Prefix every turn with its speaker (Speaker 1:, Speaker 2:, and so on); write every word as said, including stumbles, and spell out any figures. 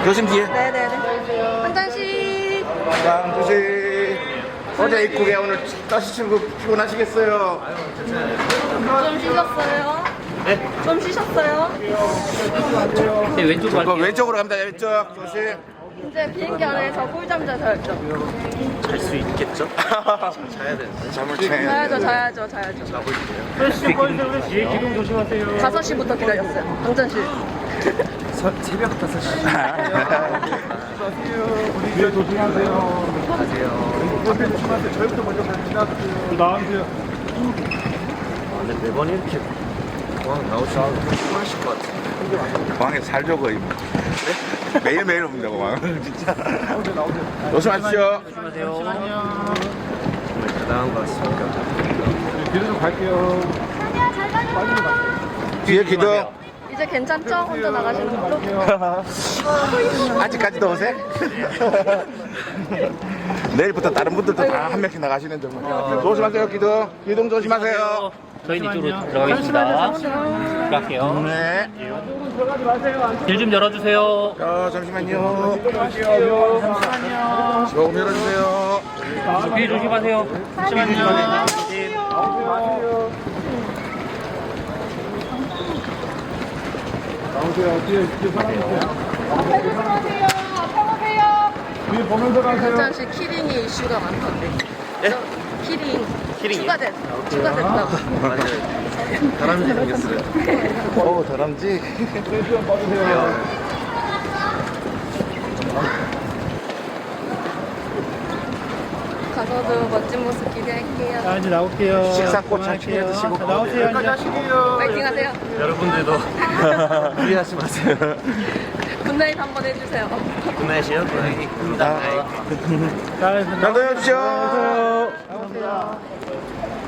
Speaker 1: 조심 뒤에.
Speaker 2: 네네네. 한 잔씩.
Speaker 1: 장주씨. 어제 입국에 오늘 다시 출국 피곤하시겠어요?
Speaker 2: 좀 쉬셨어요?
Speaker 3: 네?
Speaker 2: 좀 쉬셨어요?
Speaker 3: 네, 왼쪽으로
Speaker 1: 그
Speaker 3: 갈게요.
Speaker 1: 왼쪽으로 갑니다. 왼쪽 조심.
Speaker 2: 이제 비행기 안에서 꿀잠 자셔야죠.
Speaker 3: 잘 수 있겠죠? 자야 되는데.
Speaker 1: 잠을
Speaker 2: 자야죠,
Speaker 1: 채.
Speaker 2: 자야죠, 자야죠.
Speaker 3: 뒤에 기둥 조심하세요.
Speaker 2: 다섯 시부터 기다렸어요. 방전실.
Speaker 3: 새벽 다섯 시.
Speaker 4: 뒤에 조심하세요. 옆에 조심하세요. 저희부터 먼저 갑니다. 나와주세요.
Speaker 3: 아, 근데 매번 이렇게 공항 나오시면 피곤하실 것 같아요.
Speaker 1: 공항에서 살죠 거의. 매일매일 옵니다 공항. 진짜. 조심하십시오.
Speaker 3: 조심하세요. 정말 대단한 것 같습니다.
Speaker 4: 뒤로 좀 갈게요.
Speaker 1: 뒤에 기둥.
Speaker 2: 이제 괜찮죠? 혼자 나가시는 걸로?
Speaker 1: 아직까지도 어색? 내일부터 다른 분들도 다 한 명씩 나가시는 정말. 조심하세요 기둥. 기둥 조심하세요.
Speaker 3: 저희는 이쪽으로 들어가겠습니다. 들어갈게요.
Speaker 1: 네.
Speaker 3: 길 좀 열어주세요.
Speaker 1: 어, 잠시만요. 조금 열어주세요.
Speaker 3: 뒤에 조심하세요. 잠시만요.
Speaker 4: 나오세요. 뒤에, 뒤에 사람이세요. 뒤에 보면서 가세요.
Speaker 2: 방전실 키링이 이슈가 많던데.
Speaker 3: 예?
Speaker 2: 키링.
Speaker 3: 키링이요?
Speaker 2: 추가됐, 추가됐다고.
Speaker 3: 맞아요. 다람쥐 생겼어요.
Speaker 1: 오, 다람쥐.
Speaker 4: 좀 봐주세요.
Speaker 2: 가서도 멋진 모습 기대할게요.
Speaker 5: 자, 이제 나올게요.
Speaker 1: 식사꽃 잘 챙겨 드시고.
Speaker 5: 자, 나오세요. 이제.
Speaker 2: 파이팅 하세요.
Speaker 3: 여러분들도 무리하지 마세요.
Speaker 2: 굿나잇 한번 해주세요.
Speaker 3: 굿나잇이요? 굿나잇. 굿나잇.
Speaker 5: 자, 이제
Speaker 1: 잘 다녀주시오.
Speaker 5: 나오세요.